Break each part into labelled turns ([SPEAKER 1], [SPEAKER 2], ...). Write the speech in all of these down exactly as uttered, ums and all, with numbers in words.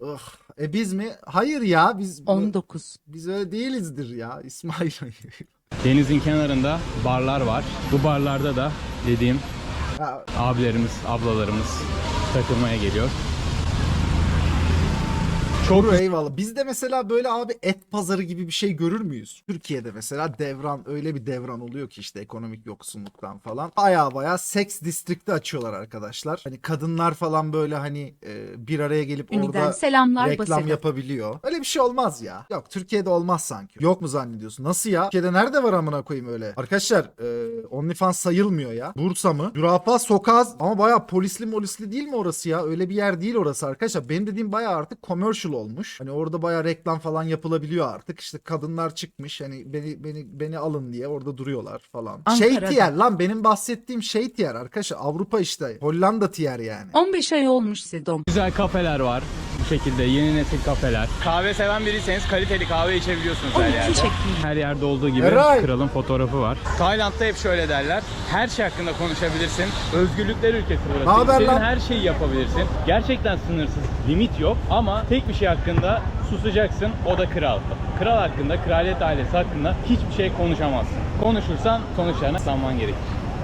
[SPEAKER 1] Ugh. E biz mi? Hayır ya biz
[SPEAKER 2] on dokuz.
[SPEAKER 1] biz öyle değilizdir ya İsmail.
[SPEAKER 3] Denizin kenarında barlar var. Bu barlarda da dediğim
[SPEAKER 1] Ha,
[SPEAKER 3] abilerimiz, ablalarımız takılmaya geliyor. Çok
[SPEAKER 1] doğru, eyvallah. Biz de mesela böyle abi et pazarı gibi bir şey görür müyüz? Türkiye'de mesela devran, öyle bir devran oluyor ki işte ekonomik yoksunluktan falan. Baya baya seks distrikti açıyorlar arkadaşlar. Hani kadınlar falan böyle hani e, bir araya gelip
[SPEAKER 2] Üniden
[SPEAKER 1] orada
[SPEAKER 2] selamlar
[SPEAKER 1] reklam
[SPEAKER 2] Baseda.
[SPEAKER 1] yapabiliyor. Öyle bir şey olmaz ya. Yok, Türkiye'de olmaz sanki. Yok mu zannediyorsun? Nasıl ya? Türkiye'de nerede var amına koyayım öyle? Arkadaşlar e, OnlyFans sayılmıyor ya. Bursa mı? Zürafa Sokağı ama baya polisli molisli değil mi orası ya? Öyle bir yer değil orası arkadaşlar. Benim dediğim baya artık commercial olmuş. Hani orada baya reklam falan yapılabiliyor artık. İşte kadınlar çıkmış hani beni beni beni alın diye orada duruyorlar falan. Şey
[SPEAKER 2] Ankara'da.
[SPEAKER 1] tiyer lan, benim bahsettiğim şey tiyer arkadaşlar. Avrupa işte. Hollanda tiyer yani.
[SPEAKER 2] on beş ay olmuş Sedom.
[SPEAKER 3] güzel kafeler var. Bu şekilde yeni nesil kafeler. Kahve seven biriyseniz kaliteli kahve içebiliyorsunuz her
[SPEAKER 2] on iki
[SPEAKER 3] yerde.
[SPEAKER 2] çektim.
[SPEAKER 3] Her yerde olduğu gibi
[SPEAKER 1] Eray!
[SPEAKER 3] kralın fotoğrafı var. Tayland'da hep şöyle derler. Her şey hakkında konuşabilirsin. Özgürlükler ülkesi burası.
[SPEAKER 1] Naber
[SPEAKER 3] İstediğin
[SPEAKER 1] lan?
[SPEAKER 3] her şeyi yapabilirsin. Gerçekten sınırsız, limit yok. Ama tek bir şey hakkında susacaksın. O da kral. Kral hakkında, kraliyet ailesi hakkında hiçbir şey konuşamazsın. Konuşursan sonuçlarına sanman gerekir.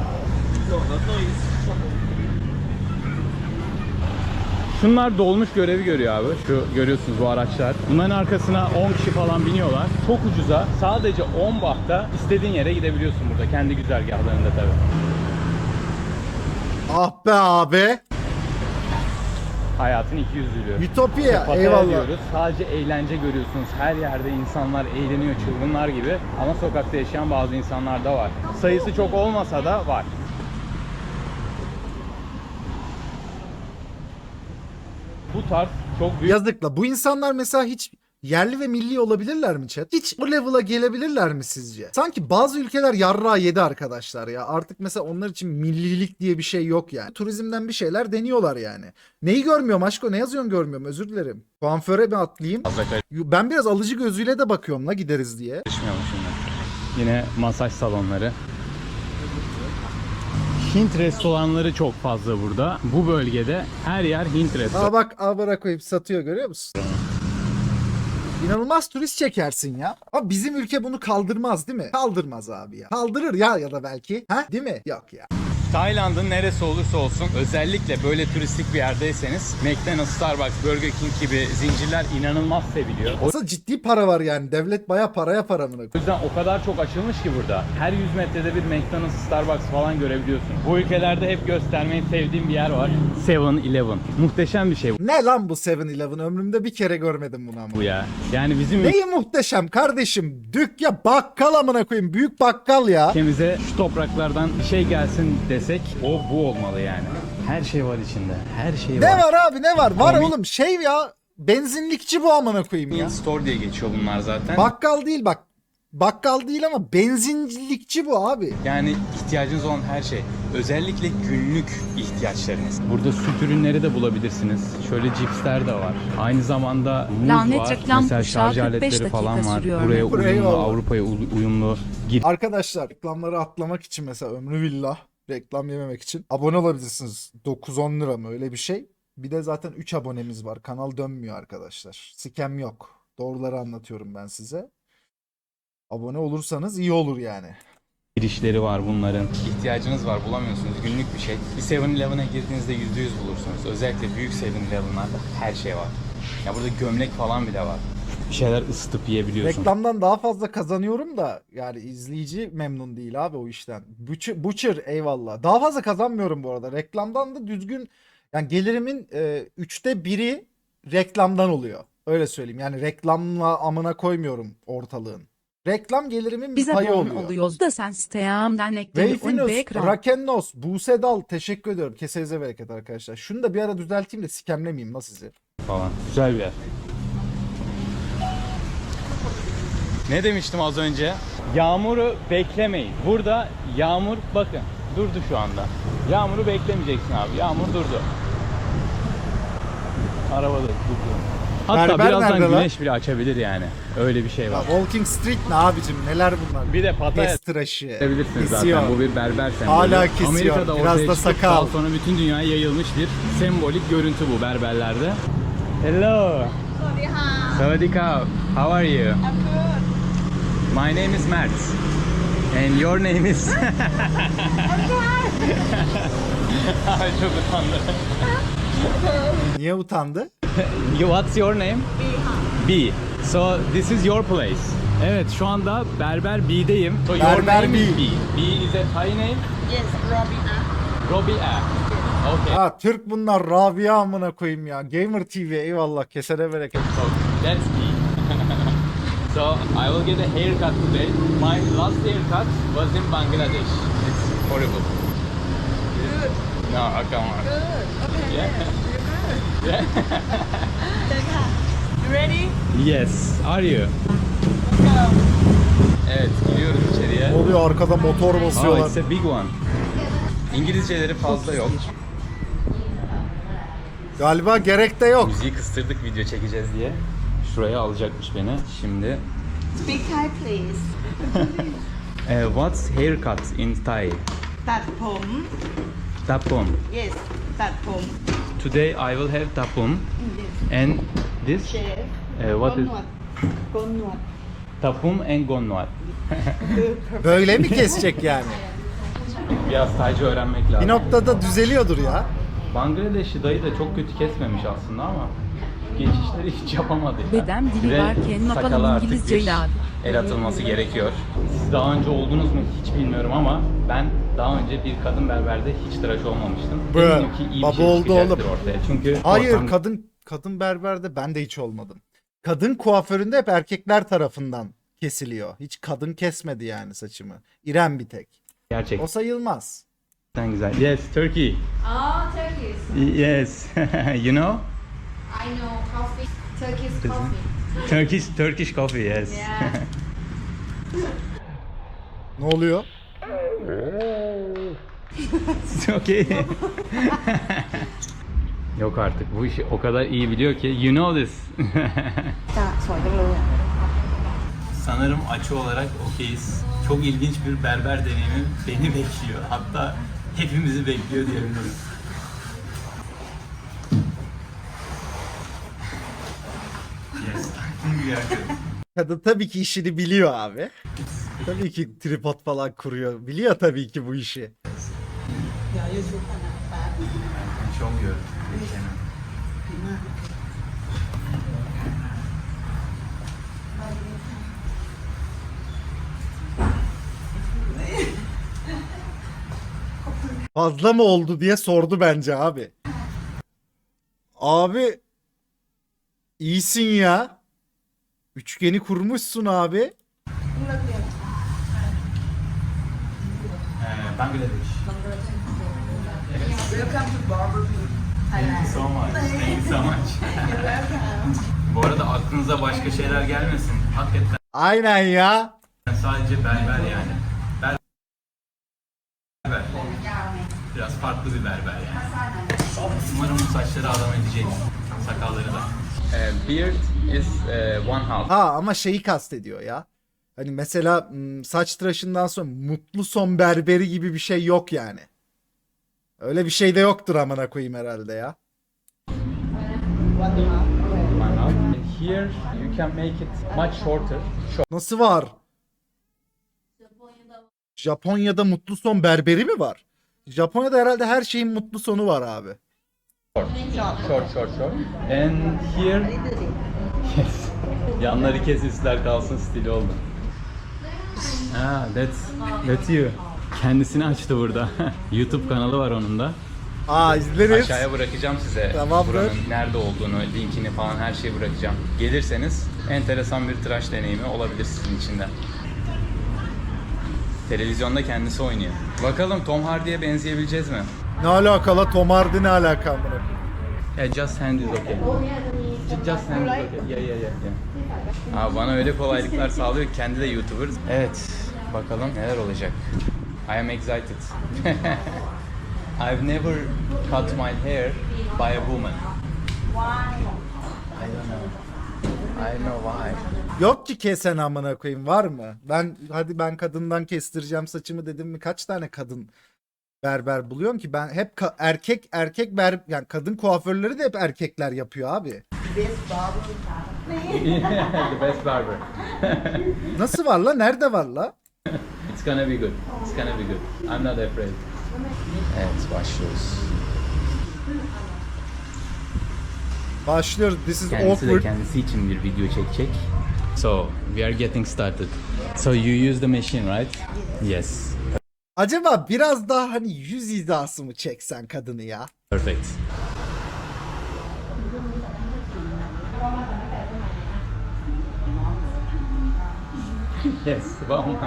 [SPEAKER 3] Şunlar dolmuş görevi görüyor abi. Şu görüyorsunuz bu araçlar. Bunların arkasına on kişi falan biniyorlar. Çok ucuza sadece on bahta istediğin yere gidebiliyorsun burada. Kendi güzergahlarında tabii.
[SPEAKER 1] Ah be abi.
[SPEAKER 3] Hayatın iki yüzlülüğü.
[SPEAKER 1] Ütopya.
[SPEAKER 3] Pataya
[SPEAKER 1] Eyvallah.
[SPEAKER 3] diyoruz. Sadece eğlence görüyorsunuz. Her yerde insanlar eğleniyor çılgınlar gibi. Ama sokakta yaşayan bazı insanlar da var. Sayısı çok olmasa da var. Bu tarz çok büyük
[SPEAKER 1] Yazıkla. Bu insanlar mesela hiç yerli ve milli olabilirler mi chat? Hiç o level'a gelebilirler mi sizce? Sanki bazı ülkeler yarrağı yedi arkadaşlar ya. Artık mesela onlar için millilik diye bir şey yok yani. Turizmden bir şeyler deniyorlar yani. Neyi görmüyorum aşko? Ne yazıyorsun görmüyorum, özür dilerim. Kuaföre mi atlayayım?
[SPEAKER 3] fazla
[SPEAKER 1] Ben biraz alıcı gözüyle de bakıyorum la gideriz diye.
[SPEAKER 3] karışmıyorum şimdi. Yine masaj salonları. Hint restoranları çok fazla burada. Bu bölgede her yer Hint restoranı.
[SPEAKER 1] Aa bak, abara koyup satıyor, görüyor musun? İnanılmaz turist çekersin ya. Ama bizim ülke bunu kaldırmaz değil mi? Kaldırmaz abi ya. Kaldırır ya, ya da belki. Ha? Değil mi? Yok ya.
[SPEAKER 3] Tayland'ın neresi olursa olsun özellikle böyle turistik bir yerdeyseniz McDonald's, Starbucks, Burger King gibi zincirler inanılmaz seviliyor. O
[SPEAKER 1] Aslında ciddi para var yani. Devlet baya paraya para mı?
[SPEAKER 3] yüzden o kadar çok açılmış ki burada. Her yüz metrede bir McDonald's, Starbucks falan görebiliyorsun. Bu ülkelerde hep göstermeyi sevdiğim bir yer var. seven eleven. Muhteşem bir şey
[SPEAKER 1] Ne lan bu seven eleven? Ömrümde bir kere görmedim bunu ama.
[SPEAKER 3] bu ya. Yani bizim
[SPEAKER 1] Neyi muhteşem kardeşim? Dük ya, bakkal amına koyayım. Büyük bakkal ya.
[SPEAKER 3] ülkemize şu topraklardan bir şey gelsin desek o bu olmalı yani. Her şey var içinde. Her şey
[SPEAKER 1] Ne
[SPEAKER 3] var.
[SPEAKER 1] var abi, ne var? Var
[SPEAKER 3] Komik.
[SPEAKER 1] oğlum, şey ya. Benzinlikçi bu amına koyayım ya.
[SPEAKER 3] Store diye geçiyor bunlar zaten.
[SPEAKER 1] Bakkal değil bak. Bakkal değil ama benzinlikçi bu abi.
[SPEAKER 3] Yani ihtiyacınız olan her şey. Özellikle günlük ihtiyaçlarınız. Burada süt ürünleri de bulabilirsiniz. Şöyle cipsler de var. Aynı zamanda muz
[SPEAKER 2] Lanet
[SPEAKER 3] var.
[SPEAKER 2] reklam
[SPEAKER 3] Mesela
[SPEAKER 2] kuşağı
[SPEAKER 3] şarj
[SPEAKER 2] kırk beş
[SPEAKER 3] aletleri falan
[SPEAKER 2] dakika
[SPEAKER 3] var.
[SPEAKER 2] sürüyor.
[SPEAKER 3] Buraya uyumlu,
[SPEAKER 1] Eyvallah.
[SPEAKER 3] Avrupa'ya u- uyumlu gir.
[SPEAKER 1] Arkadaşlar, reklamları atlamak için mesela ömrü billah reklam yememek için abone olabilirsiniz. dokuz on lira mı, öyle bir şey. Bir de zaten üç abonemiz var. Kanal dönmüyor arkadaşlar. Scam yok. Doğruları anlatıyorum ben size. Abone olursanız iyi olur yani.
[SPEAKER 3] girişleri var bunların. İhtiyacınız var, bulamıyorsunuz. Günlük bir şey. Bir seven eleven'a girdiğinizde yüzde yüz bulursunuz. Özellikle büyük seven eleven'larda her şey var. Ya burada gömlek falan bile var. Bir şeyler ısıtıp yiyebiliyorsun.
[SPEAKER 1] Reklamdan daha fazla kazanıyorum da yani izleyici memnun değil abi o işten. Butcher, Butcher eyvallah. Daha fazla kazanmıyorum bu arada. Reklamdan da düzgün, yani gelirimin e, üçte biri reklamdan oluyor. Öyle söyleyeyim. Yani reklamla amına koymuyorum ortalığın. Reklam gelirimin bir
[SPEAKER 2] Bize
[SPEAKER 1] payı
[SPEAKER 2] bon
[SPEAKER 1] oluyor.
[SPEAKER 2] oluyoruz da sen siteyamdan ekleri on
[SPEAKER 1] Wayfinus,
[SPEAKER 2] be kral.
[SPEAKER 1] Rakennos, Buse Dal teşekkür ediyorum. Kesenize bereket arkadaşlar. Şunu da bir ara düzelteyim de sikemlemeyeyim la sizi.
[SPEAKER 3] Falan. Güzel bir yer. Ne demiştim az önce? Yağmuru beklemeyin. Burada yağmur bakın durdu şu anda. Yağmuru beklemeyeceksin abi. Yağmur durdu. Arabada durdu. Hatta
[SPEAKER 1] Berber
[SPEAKER 3] birazdan
[SPEAKER 1] nerede lan?
[SPEAKER 3] güneş bile açabilir yani. Öyle bir şey
[SPEAKER 1] Ya
[SPEAKER 3] var.
[SPEAKER 1] Walking Street ne abicim, neler bunlar?
[SPEAKER 3] Bir de Pattaya
[SPEAKER 1] Pes tıraşı.
[SPEAKER 3] Görebilirsiniz
[SPEAKER 1] Kesiyor.
[SPEAKER 3] zaten. Bu bir berber sembolü.
[SPEAKER 1] Hala kesiyor.
[SPEAKER 3] Amerika'da
[SPEAKER 1] Biraz
[SPEAKER 3] ortaya
[SPEAKER 1] da
[SPEAKER 3] çıkıp
[SPEAKER 1] sakal.
[SPEAKER 3] daha sonra bütün dünyaya yayılmış bir sembolik görüntü bu berberlerde. Hello.
[SPEAKER 4] สวัสดีค่ะ
[SPEAKER 3] Sawadika. How are you?
[SPEAKER 4] I'm good
[SPEAKER 3] My name is Mert. And your name is... Ay çok utandım.
[SPEAKER 1] Niye utandı?
[SPEAKER 3] You- What's your name?
[SPEAKER 4] บีค่ะ
[SPEAKER 3] B. So this is your place. Evet şu anda Berber B'deyim. So your
[SPEAKER 1] Berber
[SPEAKER 3] name is
[SPEAKER 1] B.
[SPEAKER 3] B. B is a Thai name.
[SPEAKER 4] yes Robin
[SPEAKER 3] Robia. Okay.
[SPEAKER 1] Ha Türk bunlar, Rabia amına koyayım ya. Gamer T V eyvallah, kesene bereket.
[SPEAKER 3] So that's B. So I will get a haircut today. My last haircut was in Bangladesh. It's horrible.
[SPEAKER 4] good
[SPEAKER 3] No, come on.
[SPEAKER 4] good okay
[SPEAKER 3] Yeah.
[SPEAKER 4] you're good
[SPEAKER 3] Yeah.
[SPEAKER 4] เดินค่ะ you ready
[SPEAKER 3] Yes. Are you?
[SPEAKER 4] let's go
[SPEAKER 3] Evet, giriyoruz içeriye.
[SPEAKER 1] Ne oluyor, arkada motor
[SPEAKER 3] Oh,
[SPEAKER 1] basıyorlar.
[SPEAKER 3] it's a big one. İngilizceleri fazla yok.
[SPEAKER 1] Galiba gerek de yok.
[SPEAKER 3] Müziği kıstırdık video çekeceğiz diye. Şuraya alacakmış beni. Şimdi
[SPEAKER 4] speak Thai please
[SPEAKER 3] eh, what's haircut in Thai?
[SPEAKER 4] ตัดผม
[SPEAKER 3] Tapum.
[SPEAKER 4] yes ตัดผม
[SPEAKER 3] Today I will have tapum and this
[SPEAKER 4] shave
[SPEAKER 3] eh, what
[SPEAKER 4] โกน
[SPEAKER 3] is
[SPEAKER 4] หนวดโกนหนวด
[SPEAKER 3] tapum and gonnuat.
[SPEAKER 1] Böyle mi kesecek yani?
[SPEAKER 3] Biraz Taycı öğrenmek lazım.
[SPEAKER 1] Bir noktada düzeliyordur ya.
[SPEAKER 3] Bangladeşli dayı da çok kötü kesmemiş aslında ama geçişleri hiç yapamadı ya.
[SPEAKER 2] Beden dili
[SPEAKER 3] Ve
[SPEAKER 2] varken
[SPEAKER 3] sakala
[SPEAKER 2] yapalım
[SPEAKER 3] artık
[SPEAKER 2] İngilizceyi
[SPEAKER 3] bir
[SPEAKER 2] abi.
[SPEAKER 3] el atılması gerekiyor. Siz daha önce oldunuz mu hiç bilmiyorum ama ben daha önce bir kadın berberde hiç tıraş olmamıştım.
[SPEAKER 1] Bro,
[SPEAKER 3] Eminim ki iyi bir
[SPEAKER 1] baba
[SPEAKER 3] şey
[SPEAKER 1] oldu
[SPEAKER 3] çıkacaktır
[SPEAKER 1] oğlum.
[SPEAKER 3] ortaya. Çünkü
[SPEAKER 1] Hayır,
[SPEAKER 3] ortam-
[SPEAKER 1] kadın kadın berberde ben de hiç olmadım. Kadın kuaföründe hep erkekler tarafından kesiliyor. Hiç kadın kesmedi yani saçımı. İrem bir tek.
[SPEAKER 3] gerçekten
[SPEAKER 1] O sayılmaz.
[SPEAKER 3] güzel. Yes, Turkey.
[SPEAKER 5] Oh, Turkish.
[SPEAKER 3] Yes. You know?
[SPEAKER 5] I know coffee. Turkish coffee.
[SPEAKER 3] Turkish Turkish coffee, yes.
[SPEAKER 5] Yeah.
[SPEAKER 1] Ne oluyor?
[SPEAKER 3] It's okay. Yok artık bu işi o kadar iyi biliyor ki you know this.
[SPEAKER 4] จ้ะสวยจังเลยอะ
[SPEAKER 3] Sanırım açı olarak okeyiz. Çok ilginç bir berber deneyimi beni bekliyor. Hatta hepimizi bekliyor diyebilirim. Yes, I think we are good.
[SPEAKER 1] Kadın tabii ki işini biliyor abi. Tabii ki tripod falan kuruyor. Biliyor tabii ki bu işi.
[SPEAKER 3] Çok iyi.
[SPEAKER 1] Fazla mı oldu diye sordu bence abi. Abi iyisin ya. Üçgeni kurmuşsun abi.
[SPEAKER 3] Ee, Bangladesh.
[SPEAKER 4] welcome to Barber
[SPEAKER 3] Thank you so much. Thank you so much. Bu arada aklınıza başka şeyler gelmesin. Hakikaten
[SPEAKER 1] Aynen ya.
[SPEAKER 3] sadece berber yani. Berber. Biraz farklı bir berber yani. Umarım bu saçları adam edecek. Sakalları da. Beard is one half.
[SPEAKER 1] Ha ama şeyi kastediyor ya. Hani mesela m, saç tıraşından sonra mutlu son berberi gibi bir şey yok yani. Öyle bir şey de yoktur amına koyayım herhalde ya.
[SPEAKER 3] One half. And here you can make it much shorter.
[SPEAKER 1] Nasıl var? Japonya'da mutlu son berberi mi var? Japonya'da herhalde her şeyin mutlu sonu var abi.
[SPEAKER 3] Short, short, short, short. And here, yes. Yanları kes, üstler kalsın stili oldu. Ah, that's, that's you. Kendisini açtı burada. YouTube kanalı var onun da.
[SPEAKER 1] Aa izleriz.
[SPEAKER 3] Aşağıya bırakacağım size
[SPEAKER 1] Tamamdır.
[SPEAKER 3] buranın nerede olduğunu, linkini falan her şeyi bırakacağım. Gelirseniz enteresan bir tıraş deneyimi olabilir sizin için de. Televizyonda kendisi oynuyor. Bakalım Tom Hardy'ye benzeyebileceğiz mi?
[SPEAKER 1] Ne alakalı Tom Hardy ne alaka amına koyayım?
[SPEAKER 3] Yeah, just hand is okay. Ju- Just hand is okay. Yeah, yeah, yeah, yeah. Abi bana öyle kolaylıklar sağlıyor ki kendi de YouTuber. Evet, bakalım neler olacak. I am excited. I've never cut my hair by a woman.
[SPEAKER 4] why
[SPEAKER 3] I don't know. I know why.
[SPEAKER 1] Yok ki kesen amına koyayım, var mı? Ben hadi ben kadından kestireceğim saçımı dedim mi kaç tane kadın berber buluyorum ki ben hep ka- erkek erkek ber yani kadın kuaförleri de hep erkekler yapıyor abi.
[SPEAKER 3] Yeah, the best barber.
[SPEAKER 1] Nasıl var la? Nerede var la?
[SPEAKER 3] It's gonna be good. It's gonna be good. I'm not afraid. Evet, başlıyoruz.
[SPEAKER 1] Başlıyoruz. This is
[SPEAKER 3] Kendisi de
[SPEAKER 1] awkward.
[SPEAKER 3] kendisi için bir video çekecek. So, we are getting started. So you use the machine, right? Yes.
[SPEAKER 1] Acaba biraz daha hani yüz hizası mı çeksen kadını ya?
[SPEAKER 3] Perfect. Yes, wow.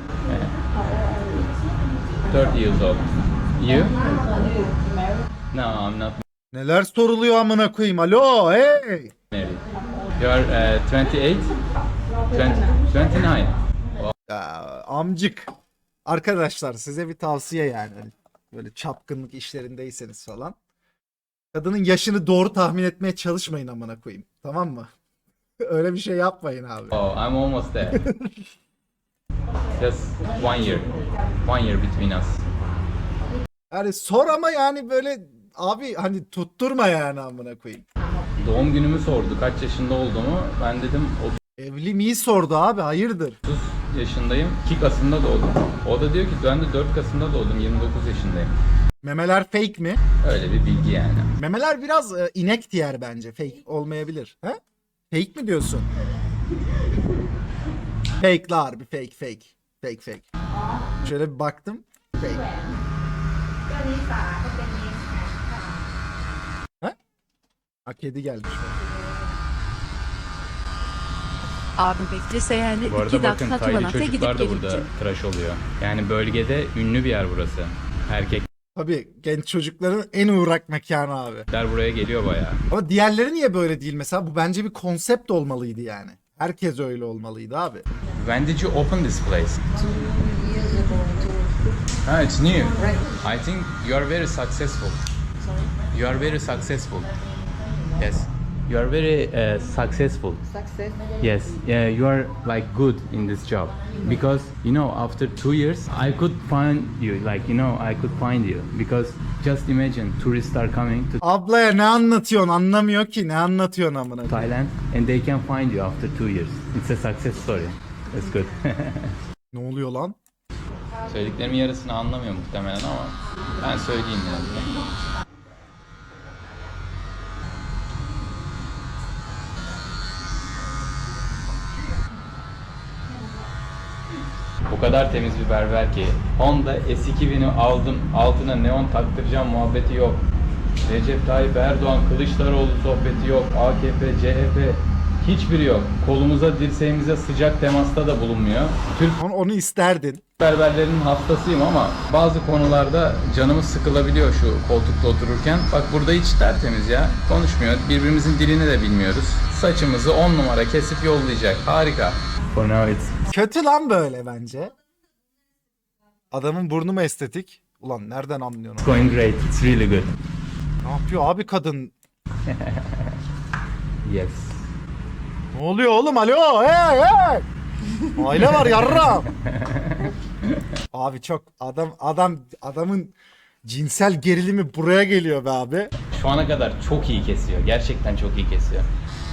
[SPEAKER 3] thirty years old. You? No, I'm not
[SPEAKER 1] Neler soruluyor amına koyayım? Alo, hey!
[SPEAKER 3] married. You're uh, twenty-eight? twenty, twenty-nine.
[SPEAKER 1] Ya, amcık. Arkadaşlar size bir tavsiye yani. Hani böyle çapkınlık işlerindeyseniz falan. Kadının yaşını doğru tahmin etmeye çalışmayın amına koyayım. Tamam mı? Öyle bir şey yapmayın abi.
[SPEAKER 3] Oh, I'm almost there. Just one year. One year between us.
[SPEAKER 1] Yani sor ama yani böyle abi hani tutturma yani amına koyayım.
[SPEAKER 3] Doğum günümü sordu, kaç yaşında olduğumu. Ben dedim
[SPEAKER 1] Evli miyi sordu abi, hayırdır?
[SPEAKER 3] otuz yaşındayım. iki Kasım'da doğdum. O da diyor ki ben de dört Kasım'da doğdum. yirmi dokuz yaşındayım.
[SPEAKER 1] Memeler fake mi?
[SPEAKER 3] Öyle bir bilgi yani.
[SPEAKER 1] Memeler biraz e, inek tiyer bence. Fake olmayabilir. He? Fake mi diyorsun? Fake'lar bir fake fake. Fake fake. Şöyle bir baktım. Fake. He? Ha, kedi gelmiş.
[SPEAKER 2] Abi beklese yani
[SPEAKER 3] Bu arada
[SPEAKER 2] iki
[SPEAKER 3] bakın
[SPEAKER 2] dakika
[SPEAKER 3] Taylı
[SPEAKER 2] tuvalete gidip
[SPEAKER 3] çocuklar da burada
[SPEAKER 2] gelecek.
[SPEAKER 3] tıraş oluyor. Yani bölgede ünlü bir yer burası. Erkekler
[SPEAKER 1] Tabii genç çocukların en uğrak mekanı abi.
[SPEAKER 3] buraya geliyor bayağı.
[SPEAKER 1] Ama diğerleri niye böyle değil mesela? Bu bence bir konsept olmalıydı yani. Herkes öyle olmalıydı abi.
[SPEAKER 3] When did you open this place? Ah, it's new. I think you are very successful. You are very successful. Yes. You are very uh, successful.
[SPEAKER 4] Success.
[SPEAKER 3] Yes, yeah, you are like good in this job because you know after two years I could find you, like you know I could find you because just imagine tourists are coming to
[SPEAKER 1] Ablaya ne anlatıyorsun? Anlamıyor ki. Ne anlatıyorsun amına?
[SPEAKER 3] Thailand and they can find you after two years. It's a success story. That's good.
[SPEAKER 1] Ne oluyor lan?
[SPEAKER 3] Söylediklerimin yarısını anlamıyor muhtemelen ama ben söyleyeyim yani. O kadar temiz bir berber ki Honda S iki bini aldım, altına neon taktıracağım muhabbeti yok. Recep Tayyip Erdoğan, Kılıçdaroğlu sohbeti yok. A K P, C H P hiçbiri yok. Kolumuza, dirseğimize sıcak temasta da bulunmuyor. Türk
[SPEAKER 1] Onu, onu isterdin.
[SPEAKER 3] berberlerinin hastasıyım ama bazı konularda canımız sıkılabiliyor şu koltukta otururken. Bak burada hiç tertemiz ya. Konuşmuyor. Birbirimizin dilini de bilmiyoruz. Saçımızı on numara kesip yollayacak. Harika. For now it's
[SPEAKER 1] Kötü lan böyle bence. Adamın burnu mu estetik? Ulan nereden anlıyorsun?
[SPEAKER 3] going great. It's really good.
[SPEAKER 1] Ne yapıyor abi kadın?
[SPEAKER 3] Yes.
[SPEAKER 1] Ne oluyor oğlum? Alo, hey hey! Aile var yarram. Abi çok adam adam adamın cinsel gerilimi buraya geliyor be abi.
[SPEAKER 3] Şu ana kadar çok iyi kesiyor. Gerçekten çok iyi kesiyor.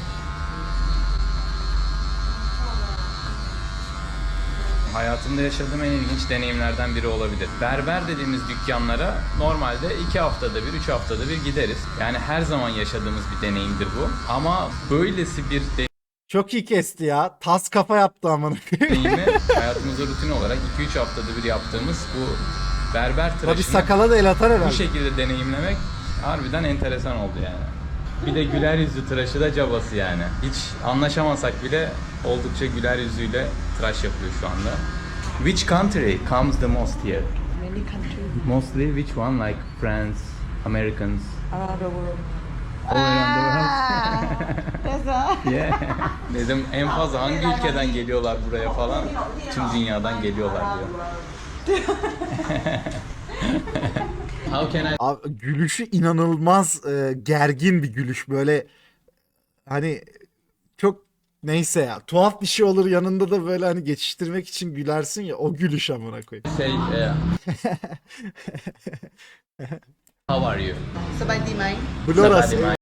[SPEAKER 3] Hayatımda yaşadığım en ilginç deneyimlerden biri olabilir. Berber dediğimiz dükkanlara normalde iki haftada bir, üç haftada bir gideriz. Yani her zaman yaşadığımız bir deneyimdir bu. Ama böylesi bir
[SPEAKER 1] Çok iyi kesti ya. Tas kafa yaptı amına koyayım.
[SPEAKER 3] deneyimi hayatımızda rutin olarak iki üç haftada bir yaptığımız bu berber
[SPEAKER 1] Tabii
[SPEAKER 3] tıraşını
[SPEAKER 1] sakala da el atar
[SPEAKER 3] bu
[SPEAKER 1] herhalde.
[SPEAKER 3] şekilde deneyimlemek harbiden enteresan oldu yani. Bir de güler yüzlü tıraşı da cabası yani. Hiç anlaşamasak bile oldukça güler yüzüyle tıraş yapıyor şu anda. Which country comes the most here?
[SPEAKER 4] Many countries
[SPEAKER 3] Mostly which one, like France, Americans,
[SPEAKER 4] around the world.
[SPEAKER 3] all around the world?
[SPEAKER 4] That's all.
[SPEAKER 3] Yeah. Dedim en fazla hangi ülkeden geliyorlar buraya falan? Tüm dünyadan geliyorlar diyor. How can I
[SPEAKER 1] Abi, gülüşü inanılmaz e, gergin bir gülüş böyle hani çok neyse ya tuhaf bir şey olur yanında da böyle hani geçiştirmek için gülersin ya o gülüş amına koyayım.
[SPEAKER 3] say uh, how are you?
[SPEAKER 4] สบายดีไหม
[SPEAKER 1] Blorası.
[SPEAKER 3] Sabadi